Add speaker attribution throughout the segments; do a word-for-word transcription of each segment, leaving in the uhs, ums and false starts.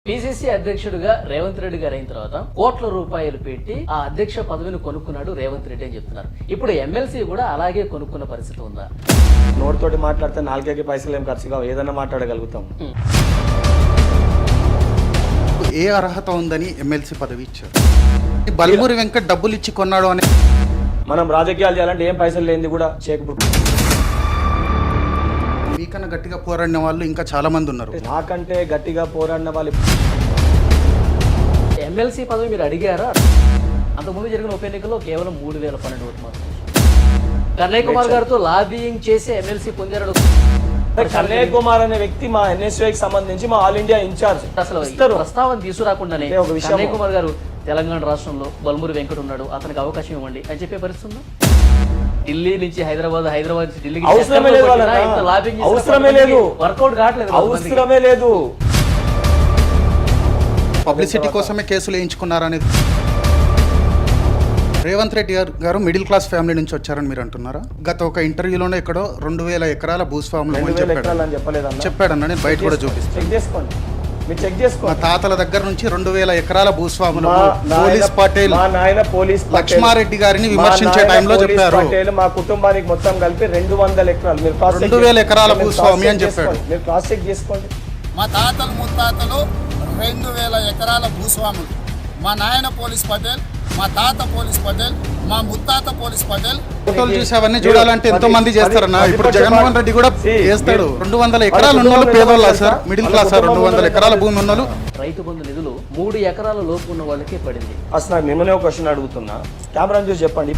Speaker 1: PCC అధ్యక్షుడిగా రేవంత్ రెడ్డి గారు అయిన తర్వాత కోట్ల రూపాయలు పెట్టి ఆ అధ్యక్ష పదవిని కొనుక్కున్నాడు రేవంత్ రెడ్డి అని చెప్తున్నారు. ఇప్పుడు ఎమ్మెల్సీ కూడా అలాగే కొనుక్కున్న పరిస్థితి ఉందా?
Speaker 2: నోటితోటి మాట్లాడితే నాలుగేకి పైసలు ఏం ఖర్చు కావు, ఏదన్నా మాట్లాడగలుగుతాం.
Speaker 3: ఏ అర్హత ఉందని ఎమ్మెల్సీ పదవి ఇచ్చారు? బల్మూరి వెంకట్ డబ్బులు ఇచ్చి కొన్నాడు అని
Speaker 2: మనం రాజకీయాలు చేయాలంటే ఏం పైసలు లేనిది కూడా చేయకపోతే.
Speaker 3: మీకన్నా గట్టిగా పోరాడిన వాళ్ళు ఇంకా చాలా మంది ఉన్నారు.
Speaker 2: నాకంటే గట్టిగా పోరాడిన వాళ్ళు
Speaker 1: ఎమ్మెల్సీ పదవి మీరు అడిగారా? అంతకుముందు జరిగిన ఉప ఎన్నికల్లో కేవలం మూడు వేల పన్నెండు ఓట్లు మాత్రం. కన్నయ్య కుమార్ గారితో లాబియింగ్ చేసి ఎమ్మెల్సీ పొందారు.
Speaker 2: కన్నయ్య కుమార్ అనే వ్యక్తి మా ఎన్ఎస్యూకి సంబంధించి మా ఆల్ ఇండియా ఇన్ఛార్జ్.
Speaker 1: అసలు ప్రస్తావన తీసుకురాకుండానే కన్నయ్య కుమార్ గారు తెలంగాణ రాష్ట్రంలో బల్మూరి వెంకట్ ఉన్నాడు, అతనికి అవకాశం ఇవ్వండి అని చెప్పే పరిస్థితి ఉందా? ఢిల్లీ నుంచి హైదరాబాద్, హైదరాబాద్ నుంచి ఢిల్లీకి
Speaker 2: అవసరమే లేదు, అవసరమే లేదు,
Speaker 1: వర్కౌట్ కావట్లేదు,
Speaker 2: అవసరమే లేదు.
Speaker 3: పబ్లిసిటీ కోసమే కేసులు వేయించుకున్నారనేది. రేవంత్ రెడ్డి గారు మిడిల్ క్లాస్ ఫ్యామిలీ నుంచి వచ్చారని మీరు అంటున్నారా? గత ఒక ఇంటర్వ్యూలోనే ఎక్కడో రెండు వేల ఎకరాల భూస్వాములు చెప్పాడన్న, నేను బయట కూడా చూపిస్తాను. మా తాతల దగ్గర నుంచి రెండు వేల ఎకరాల భూస్వాములు పోలీస్ పటేల్ లక్ష్మారెడ్డి గారిని విమర్శించే టైంలో చెప్పారు.
Speaker 2: మా కుటుంబానికి మొత్తం కలిపి రెండు వందల ఎకరాలు
Speaker 3: రెండు వేల ఎకరాల భూస్వామి అని చెప్పాడు.
Speaker 2: మీరు క్రాస్ చెక్ చేసుకోండి.
Speaker 4: మా తాతలు ముత్తాతలు రెండు వేల ఎకరాల భూస్వాములు. మా నాయన పోలీస్ పటేల్, మా తాత పోలీస్ పటేల్, మా ముత్తాత పోలీస్ పటేల్.
Speaker 3: ఫోటోలు చూసి అవన్నీ చూడాలంటే ఎంతో మంది చేస్తారన్న. ఇప్పుడు జగన్మోహన్ రెడ్డి కూడా చేస్తాడు. రెండు వందల ఎకరాలు ఉన్న వాళ్ళు పేదోళ్ళ సార్, మిడిల్ క్లాస్ సార్. రెండు వందల ఎకరాల భూమి ఉన్న వాళ్ళు.
Speaker 1: రైతు బంధు నిధులు మూడు ఎకరాల లోపు ఉన్న వాళ్ళకే పడింది.
Speaker 2: అసలు నాకు నిన్ననే ఒక క్వశ్చన్ అడుగుతున్నా, కెమెరా చూసి చెప్పండి.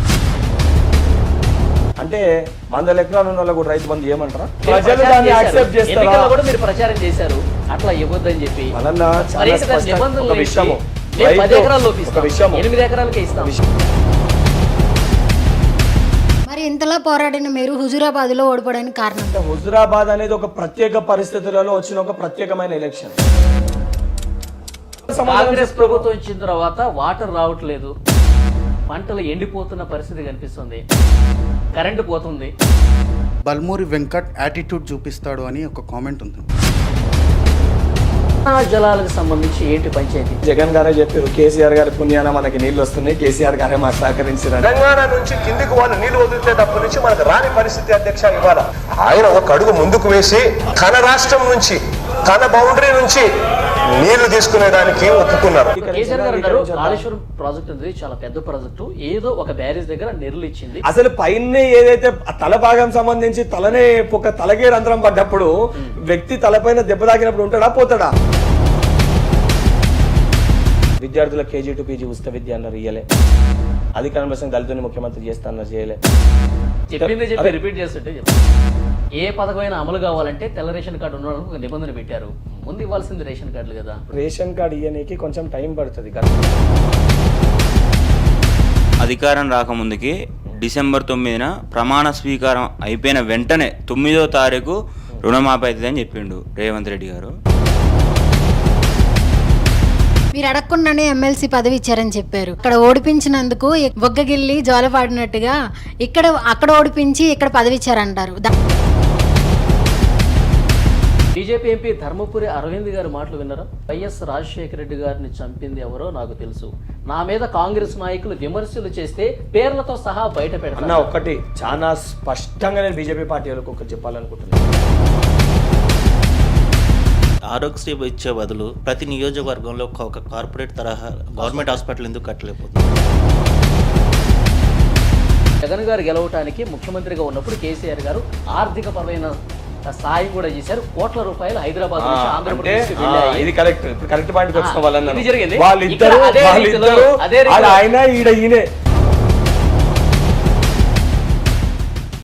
Speaker 2: అంటే వందల ఎకరాలు ఉన్న వాళ్ళు కూడా రైతు బంధు ఏమంటారా? ప్రజలు దాన్ని యాక్సెప్ట్ చేస్తారా?
Speaker 1: కూడా మీరు ప్రచారం చేశారు అట్లా ఇవ్వద్దని చెప్పి.
Speaker 2: ఒక విషయము
Speaker 1: పది ఎకరాలు లోపిస్తాం, ఎనిమిది ఎకరాలకే ఇస్తాం.
Speaker 5: మరి ఇంతలా పోరాడిన మీరు హుజూరాబాద్ లో ఓడిపోవడానికి కారణం?
Speaker 2: హుజూరాబాద్ అనేది ఒక ప్రత్యేక పరిస్థితులలో వచ్చిన ఒక ప్రత్యేకమైన ఎలక్షన్.
Speaker 1: కాంగ్రెస్ ప్రభుత్వం వచ్చిన తర్వాత వాటర్ రావట్లేదు, పంటలు ఎండిపోతున్న పరిస్థితి కనిపిస్తుంది, కరెంటు పోతుంది.
Speaker 3: బల్మూరి వెంకట్ యాటిట్యూడ్ చూపిస్తాడు అని ఒక కామెంట్ ఉంది.
Speaker 1: జలాలకు సంబంధించి ఏంటి పంచాయతీ?
Speaker 2: జగన్ గారే చెప్పారు, కేసీఆర్ గారి పుణ్యాన మనకి నీళ్లు వస్తున్నాయి, కేసీఆర్ గారే మాకు సహకరించారు.
Speaker 6: తెలంగాణ నుంచి కిందికి వాళ్ళు నీళ్లు వదిలితేటప్పటి నుంచి మనకు రాని పరిస్థితి అధ్యక్ష. ఇవాళ ఆయన ఒక అడుగు ముందుకు వేసి తన రాష్ట్రం నుంచి, తన బౌండరీ నుంచి నీళ్లు తీసుకునేదానికి ఒప్పుకున్నారు.
Speaker 1: కేసీఆర్ గారు అన్నారు కాళేశ్వరం ప్రాజెక్ట్ అనేది చాలా పెద్ద ప్రాజెక్టు, ఏదో ఒక బ్యారేజ్ దగ్గర నెర్లు ఇచ్చింది.
Speaker 2: అసలు పైన ఏదైతే తల భాగం సంబంధించి తలనే ఒక తలకే రంధ్రం పడ్డప్పుడు వ్యక్తి తలపైన దెబ్బ తాకినప్పుడు ఉంటాడా పోతాడా? విద్యార్థుల కేజీ టు పీజీ ఉచిత విద్య అన్నారు, ఇయ్యలే. అధికారం కోసం దళితుని ముఖ్యమంత్రి చేస్తానన్నారు, చేయలే.
Speaker 1: చెప్పింది చెప్పి రిపీట్ చేస్తుంటే ఏ పథకమైనా అమలు కావాలంటే తెల్ల రేషన్ కార్డు ఉండడానికి ఒక నిబంధన పెట్టారు. ముందు ఇవ్వాల్సింది రేషన్ కార్డులు కదా.
Speaker 2: రేషన్ కార్డు ఇయ్యడానికి కొంచెం టైం పడుతుంది.
Speaker 7: అధికారం రాకముందుకి డిసెంబర్ తొమ్మిదిన ప్రమాణ స్వీకారం అయిపోయిన వెంటనే తొమ్మిదో తారీఖు రుణమాఫీ అవుతుందని చెప్పిండు రేవంత్ రెడ్డి గారు.
Speaker 5: మీరు అడగకుండానే ఎమ్మెల్సీ పదవి ఇచ్చారని చెప్పారు. ఇక్కడ ఓడిపించినందుకు బొగ్గగిల్లి జోలపాడినట్టుగా ఇక్కడ అక్కడ ఓడిపించి ఇక్కడ పదవి ఇచ్చారంటారు.
Speaker 1: బీజేపీ ఎంపీ ధర్మపురి అరవింద్ గారి మాటలు విన్నారా? వైఎస్ రాజశేఖర రెడ్డి గారిని చంపింది ఎవరో నాకు తెలుసు, నా మీద కాంగ్రెస్ నాయకులు విమర్శలు చేస్తే పేర్లతో సహా బయట పెడతాను.
Speaker 2: ఒకటి చాలా స్పష్టంగా నేను బీజేపీ పార్టీ వాళ్ళకి ఒకటి చెప్పాలనుకుంటున్నాను.
Speaker 8: ఆరోగ్యశ్రీ ఇచ్చే బదులు ప్రతి నియోజకవర్గంలో ఒక కార్పొరేట్ తరహా గవర్నమెంట్ హాస్పిటల్ ఎందుకు కట్టలేకపోతుంది?
Speaker 1: జగన్ గారు గెలవటానికి ముఖ్యమంత్రిగా ఉన్నప్పుడు కేసీఆర్ గారు ఆర్థిక పరమైన సాయం కూడా చేశారు. కోట్ల రూపాయలు హైదరాబాద్ నుంచి ఆంధ్రప్రదేశ్
Speaker 2: ఇది కరెక్ట్ కరెక్ట్ పాయింట్ వచ్చిన వాళ్ళన్నారు.
Speaker 1: జరిగింది.
Speaker 2: వాళ్ళిద్దరు ఆయన ఈడ ఈయనే